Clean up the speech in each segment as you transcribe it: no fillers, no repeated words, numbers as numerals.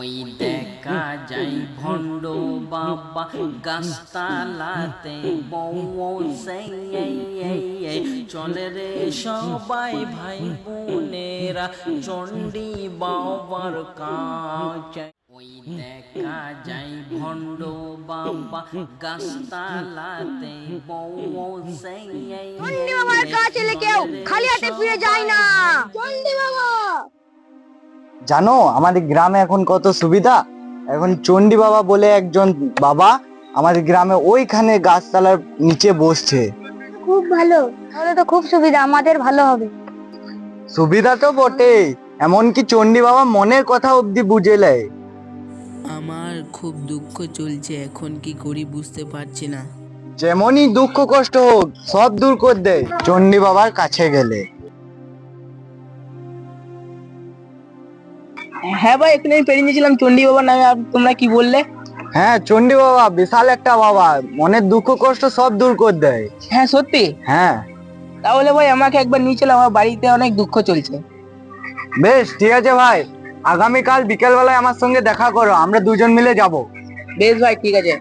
ওই দেখা যায় ভণ্ড বাবা গাছতলাতে বউ চলে রে সবাই ভাই বোনেরা চণ্ডী বাবার কাছে। ওই দেখা যায় ভণ্ড বাবা গাছতলাতে বউ চণ্ডী বাবার কাছে কেউ খালি হাতে ফিরে যায় না। চণ্ডী বাবা, জানো আমাদের গ্রামে এখন কত সুবিধা। এখন চণ্ডী বাবা বলে একজন বাবা আমাদের গ্রামে ওইখানে গাছতলার নিচে বসছে। খুব ভালো, তাহলে তো খুব সুবিধা, আমাদের ভালো হবে। সুবিধা তো বটে, এমনকি চণ্ডী বাবা মনের কথা অব্দি বুঝে নেয়। আমার খুব দুঃখ চলছে, এখন কি করি বুঝতে পারছি না। যেমনই দুঃখ কষ্ট হোক সব দূর করে দেয় চণ্ডী বাবার কাছে গেলে। হ্যাঁ ভাই, এখানে আমি পেরিয়ে গেছিলাম চণ্ডী বাবার নামে, আর তোমরা কি বললে? হ্যাঁ, চণ্ডী বাবা বিশাল একটা বাবা, মনের দুঃখ কষ্ট সব দূর করে দেয়। হ্যাঁ সত্যি? হ্যাঁ তাহলে ভাই আমাকে একবার নিয়ে চলো, আমার বাড়িতে অনেক দুঃখ চলছে। বেশ ঠিক আছে ভাই, আগামীকাল বিকেল বেলায় আমার সঙ্গে দেখা করো, আমরা দুজন মিলে যাব। বেশ ভাই, ঠিক আছে।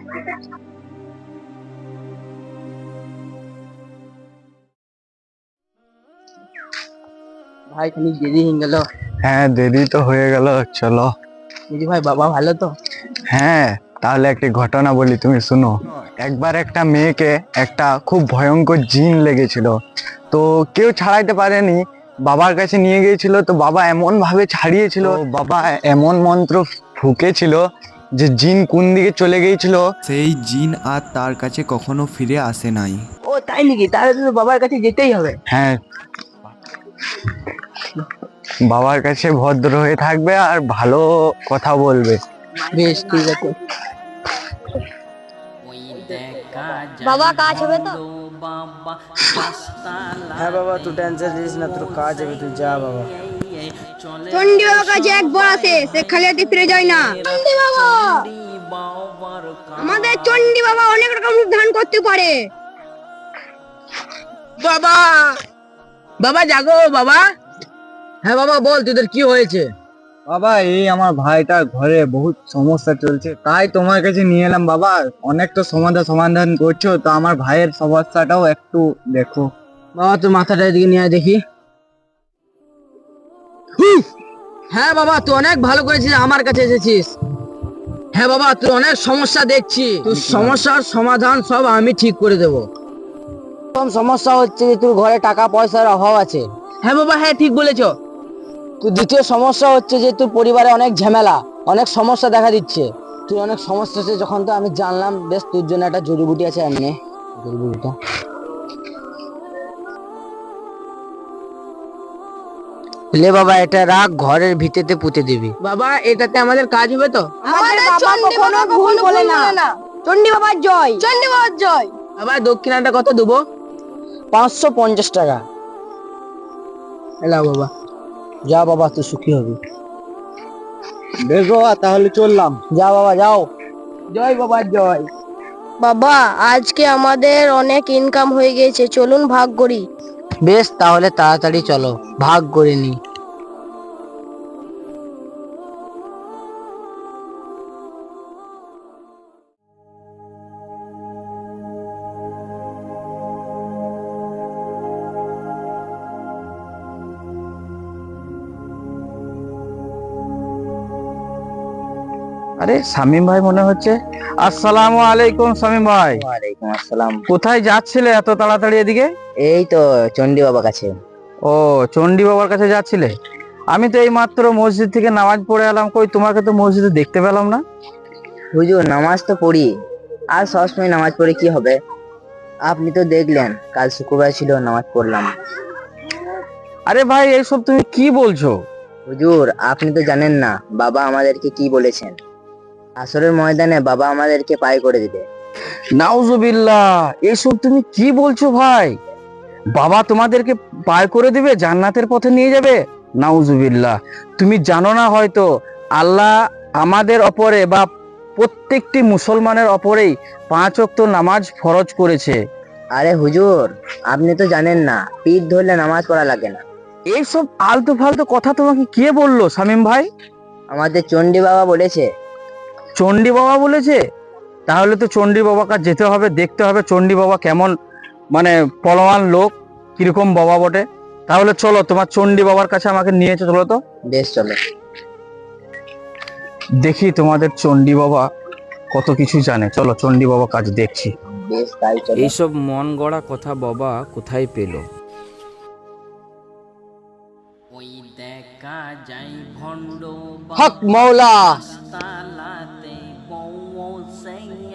ভাই খালি দেরি হয়ে গেল। হ্যাঁ দেরি তো হয়ে গেল, চলো। বুঝি ভাই, বাবা ভালো তো? হ্যাঁ, তাহলে একটি ঘটনা বলি, তুমি শুনো। একবার একটা মেয়েকে একটা খুব ভয়ঙ্কর জিন লেগেছিল, তো কেউ ছাড়াইতে পারেনি, বাবার কাছে নিয়ে গিয়েছিল। তো বাবা এমন ভাবে ছাড়িয়েছিল, বাবা এমন মন্ত্র ফুঁকেছিল যে জিন কোন দিকে চলে গিয়েছিল। সেই জিন আর তার কাছে কখনো ফিরে আসে নাই। ও তাই নাকি? তাহলে তো বাবার কাছে যেতেই হবে। হ্যাঁ, বাবার কাছে ভদ্র হয়ে থাকবে আর ভালো কথা বলবে। বেশ ঠিক আছে। বাবা কাজ হবে তো? হ্যাঁ বাবা, তুই টেনশন নিস না, তোর কাজ হবে, তুই যা বাবা। চণ্ডী বাবার কাছে একবার আসে, সে খালি হাতে ফিরে যায় না। চণ্ডী বাবা, আমাদের চণ্ডী বাবা অনেক রকম রূপ ধারণ করতে পারে। বাবা, বাবা জাগো বাবা। হ্যাঁ বাবা বল, তোদের কি হয়েছে? বাবা এই আমার ভাইটার ঘরে বহুত সমস্যা চলছে, তাই তোমার কাছে নিয়ে এলাম। বাবা অনেক তো সমাধান করছো, তো আমার ভাইয়ের সমস্যাটাও একটু দেখো। বাবা তোর মাথাটা এদিকে নিয়ে আয় দেখি। হ্যাঁ বাবা, তুই অনেক ভালো করেছিস, আমার কাছে এসেছিস। হ্যাঁ বাবা, তুই অনেক সমস্যা দেখছি, তোর সমস্যার সমাধান সব আমি ঠিক করে দেবো। প্রথম সমস্যা হচ্ছে যে তোর ঘরে টাকা পয়সার অভাব আছে। হ্যাঁ বাবা, হ্যাঁ ঠিক বলেছো। তো দ্বিতীয় সমস্যা হচ্ছে যে তোর পরিবারে অনেক ঝামেলা, অনেক সমস্যা দেখা দিচ্ছে। তুই অনেক সমস্যা হচ্ছে যখন, তো আমি জানলাম, বেশ তোর জন্য একটা জড়িবুটি আছে, এমনি জড়িবুটিটা। লে বাবা, এটা রাখ, ঘরের ভিতেতে পুঁতে দিবি। বাবা এটাতে আমাদের কাজ হবে তো? আমাদের চণ্ডী বাবা কখনো ভুল বলে না। চণ্ডী বাবার জয়, চণ্ডী বাবার জয়। বাবা দক্ষিণাটা কত দেবো? 550 টাকা। এলা বাবা। যা বাবা, তুই সুখী হবি। বেশ বাবা, তাহলে চললাম। যা বাবা যাও। জয় বাবা জয়। বাবা আজকে আমাদের অনেক ইনকাম হয়ে গেছে, চলুন ভাগ করি। বেশ তাহলে তাড়াতাড়ি চলো, ভাগ করে নি। আরে শামীম ভাই মনে হচ্ছে। আসসালামু আলাইকুম শামীম ভাই। ওয়ালাইকুম আসসালাম। কোথায় যাচ্ছিলে এত তাড়াতাড়ি এদিকে? এই তো চণ্ডী বাবা কাছে। ও, চণ্ডী বাবার কাছে যাচ্ছিলে? আমি তো এই মাত্র মসজিদ থেকে নামাজ পড়ে এলাম, কই তোমাকে তো মসজিদে দেখতে পেলাম না। হুজুর নামাজ তো পড়ি, আর সবসময় নামাজ পড়ে কি হবে? আপনি তো দেখলেন কাল শুক্রবার ছিল, নামাজ পড়লাম। আরে ভাই এইসব তুমি কি বলছো? হুজুর আপনি তো জানেন না বাবা আমাদেরকে কি বলেছেন, আসরের ময়দানে বাবা আমাদেরকে পায় করে দিবে। নাউজুবিল্লাহ, এইসব তুমি কি বলছো ভাই? বাবা তোমাদেরকে পার করে দিবে, জান্নাতের পথে নিয়ে যাবে? নাউজুবিল্লাহ, তুমি জানো না হয়তো আল্লাহ আমাদের ওপরে বা প্রত্যেকটি মুসলমানের ওপরেই 5 ওয়াক্ত নামাজ ফরজ করেছে। আরে হুজুর আপনি তো জানেন না, পিঠ ধরলে নামাজ পড়া লাগে না। এইসব আলতু ফালতু কথা তোমাকে কে বললো শামীম ভাই? আমাদের চণ্ডী বাবা বলেছে। চণ্ডী বাবা বলেছে? তাহলে তো চণ্ডী বাবার কাছে যেতে হবে, দেখতে হবে চণ্ডী বাবা কেমন, মানে পলওয়ান লোক, কিরকম বাবা বটে। তাহলে চলো, তোমার চণ্ডী বাবার কাছে আমাকে নিয়ে চলো তো। বেশ চলো। দেখি তোমাদের চণ্ডী বাবা কত কিছু জানে। চলো চণ্ডী বাবা কাজ দেখছি। বেশ তাই চলো। এইসব মন গড়া কথা বাবা কোথায় পেল? ওই দেখা যায় ভণ্ড হক মৌলা। তালাতে পৌঁছে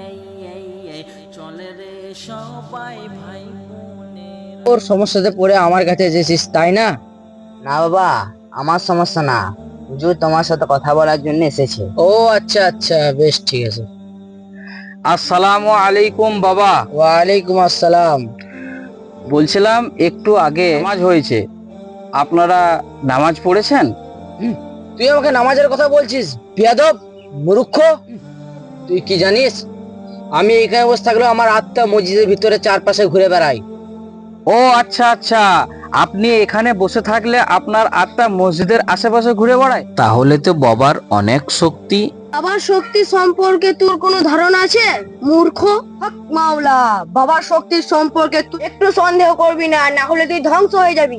চলে রে সবাই ভাই বোনের। তোর সমস্যাতে পড়ে আমার কাছে এসেছিস তাই না? না বাবা, আমার সমস্যা না, হুজুর তোমার সাথে কথা বলার জন্য এসেছে। ও আচ্ছা আচ্ছা, বেশ ঠিক আছে। আসসালামু আলাইকুম বাবা। ওয়ালাইকুম আসসালাম। বলছিলাম একটু আগে নামাজ হয়েছে, আপনারা নামাজ পড়েছেন? তুই আমাকে নামাজের কথা বলছিস? বিয়াদব, মূর্খ। তুই কি জানিস আমি এখানে বসে থাকলেও আমার আত্মা মসজিদের ভিতরে চারপাশে ঘুরে বেড়াই। ও আচ্ছা আচ্ছা, আপনি এখানে বসে থাকলে আপনার আত্মা মসজিদের আশেপাশে ঘুরে বেড়ায়? তাহলে তো বাবার অনেক শক্তি। বাবার শক্তি সম্পর্কে তোর কোনো ধারণা আছে মূর্খ? হক মাওলা, বাবার শক্তির সম্পর্কে তুই একটু সন্দেহ করবি না, না হলে তুই ধ্বংস হয়ে যাবি।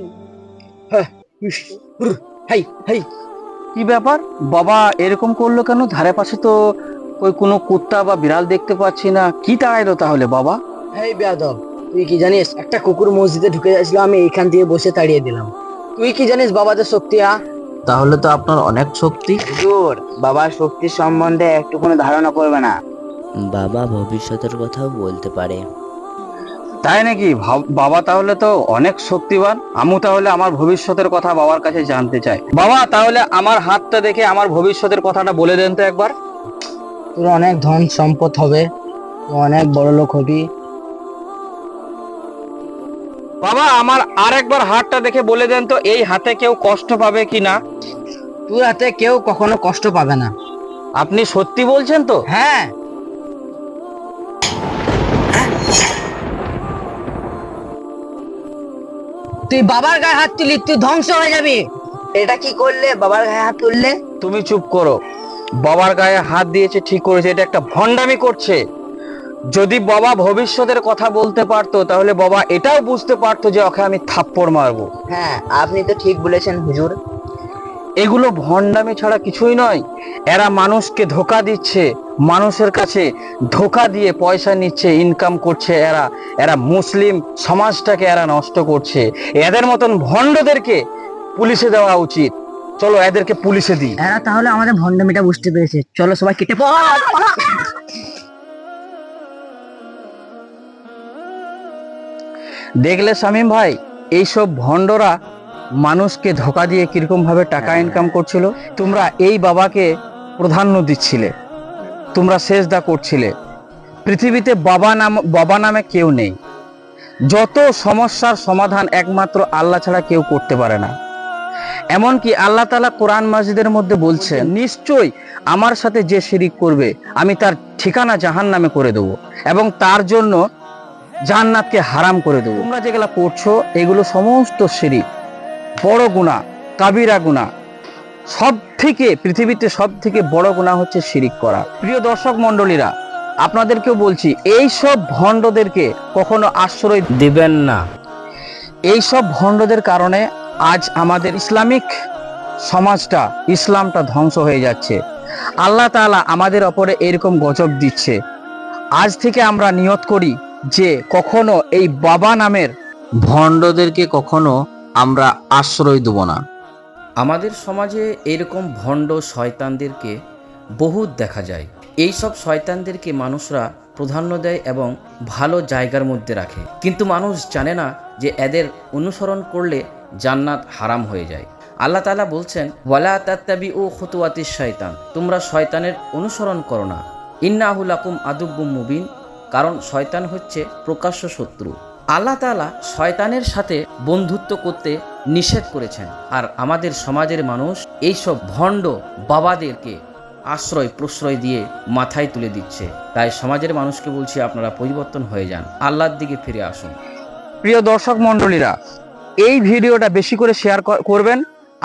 Hi hi. কি ব্যাপার বাবা এরকম করলো কেন? ধারে পাশে তো ওই কোনো কুত্তা বা বিড়াল দেখতে পাচ্ছি না, কি তাড়াইলো তাহলে বাবা? হেই বেয়াদব, তুই কি জানিস একটা কুকুর মসজিদে ঢুকে যাচ্ছিল, আমি এইখান দিয়ে বসে তাড়িয়ে দিলাম। তুই কি জানিস বাবাদের শক্তি? তাহলে তো আপনার অনেক শক্তি। হুজুর, বাবার শক্তির সম্বন্ধে একটু কোনো ধারণা করবে না। বাবা ভবিষ্যতের কথাও বলতে পারে। তাই নাকি? বাবা তাহলে তো অনেক শক্তিবান। আমি তাহলে আমার ভবিষ্যতের কথা বাবার কাছে জানতে চাই। বাবা তাহলে আমার হাতটা দেখে আমার ভবিষ্যতের কথাটা বলে দেন তো একবার। তোর অনেক ধন সম্পদ হবে, তুই অনেক বড় লোক হবি। বাবা আমার আরেকবার হাতটা দেখে বলে দেন তো, এই হাতে কেউ কষ্ট পাবে কি না? তোর হাতে কেউ কখনো কষ্ট পাবে না। আপনি সত্যি বলছেন তো? হ্যাঁ। তুই বাবার গায়ে হাত তুলি, তুই ধ্বংস হয়ে যাবি। এটা কি করলে? বাবার গায়ে হাত তুললে? তুমি চুপ করো। বাবার গায়ে হাত দিয়েছে ঠিক করেছে, এটা একটা ভণ্ডামি করছে। যদি বাবা ভবিষ্যতের কথা বলতে পারতো তাহলে বাবা এটাও বুঝতে পারতো যে ওকে আমি থাপ্পড় মারবো। হ্যাঁ, আপনি তো ঠিক বলেছেন হুজুর। এগুলো ভণ্ডামি ছাড়া কিছুই নয়। এরা মানুষকে ধোকা দিচ্ছে, মানুষের কাছে ধোকা দিয়ে পয়সা নিচ্ছে, ইনকাম করছে। এরা মুসলিম সমাজটাকে এরা নষ্ট করছে। এদের মতন ভণ্ডদেরকে পুলিশে দেওয়া উচিত। চলো এদেরকে পুলিশে দিই। এরা তাহলে আমাদের ভণ্ডামিটা বুঝতে পেরেছে। চলো সবাই কেটে পড়। দেখলে শামীম ভাই, এইসব ভণ্ডরা মানুষকে ধোকা দিয়ে কিরকম ভাবে টাকা ইনকাম করছিল। তোমরা এই বাবাকে প্রাধান্য দিচ্ছিলে, তোমরা সেজদা করছিলে। পৃথিবীতে বাবা নামে কেউ নেই। যত সমস্যার সমাধান একমাত্র আল্লাহ ছাড়া কেউ করতে পারে না। এমনকি আল্লাহ তাআলা কোরআন মাজিদের মধ্যে বলছেন, নিশ্চয়ই আমার সাথে যে শিরিক করবে আমি তার ঠিকানা জাহান্নামে করে দেবো এবং তার জন্য জান্নাতকে হারাম করে দেবো। তোমরা যেগুলো করছো এগুলো সমস্ত শিরিক, বড় গুনাহ, কাবিরা গুনাহ। পৃথিবীতে সব থেকে বড় গুনাহ হচ্ছে শিরিক করা। প্রিয় দর্শক মণ্ডলীরা, আপনাদেরকেও বলছি, এই সব ভণ্ডদেরকে কখনো আশ্রয় দিবেন না। এই সব ভণ্ডদের কারণে আজ আমাদের ইসলামিক সমাজটা, ইসলামটা ধ্বংস হয়ে যাচ্ছে। আল্লাহ তাআলা আমাদের ওপরে এরকম গজব দিচ্ছে। আজ থেকে আমরা নিয়ত করি যে কখনো এই বাবা নামের ভণ্ডদেরকে কখনো আমরা আশ্রয় দেব না। আমাদের সমাজে এরকম ভণ্ড শয়তানদেরকে বহুত দেখা যায়। এই সব শয়তানদেরকে মানুষরা প্রাধান্য দেয় এবং ভালো জায়গার মধ্যে রাখে, কিন্তু মানুষ জানে না যে এদের অনুসরণ করলে জান্নাত হারাম হয়ে যায়। আল্লাহ তাআলা বলছেন, ওয়ালা তাত্তাবিউ খুতুওয়াতিশ শয়তান, তোমরা শয়তানের অনুসরণ করো না। ইন্নাহু লাকুম আদুব্বুম মুবিন, কারণ শয়তান হচ্ছে প্রকাশ্য শত্রু। আল্লাহ তাআলা শয়তানের সাথে বন্ধুত্ব করতে নিষেধ করেছেন। আর আমাদের সমাজের মানুষ এইসব ভণ্ড বাবাদেরকে আশ্রয় প্রশ্রয় দিয়ে মাথায় তুলে দিচ্ছে। তাই সমাজের মানুষকে বলছি, আপনারা পরিবর্তন হয়ে যান, আল্লাহর দিকে ফিরে আসুন। প্রিয় দর্শক মণ্ডলীরা, এই ভিডিওটা বেশি করে শেয়ার করবেন আর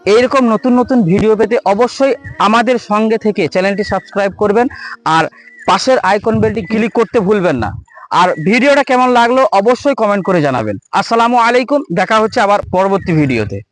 এইরকম নতুন নতুন ভিডিও পেতে অবশ্যই আমাদের সঙ্গে থেকে চ্যানেলটি সাবস্ক্রাইব করবেন আর পাশের আইকন বেলটি ক্লিক করতে ভুলবেন না। আর ভিডিওটা কেমন লাগলো অবশ্যই কমেন্ট করে জানাবেন। আসসালামু আলাইকুম, দেখা হচ্ছে আবার পরবর্তী ভিডিওতে।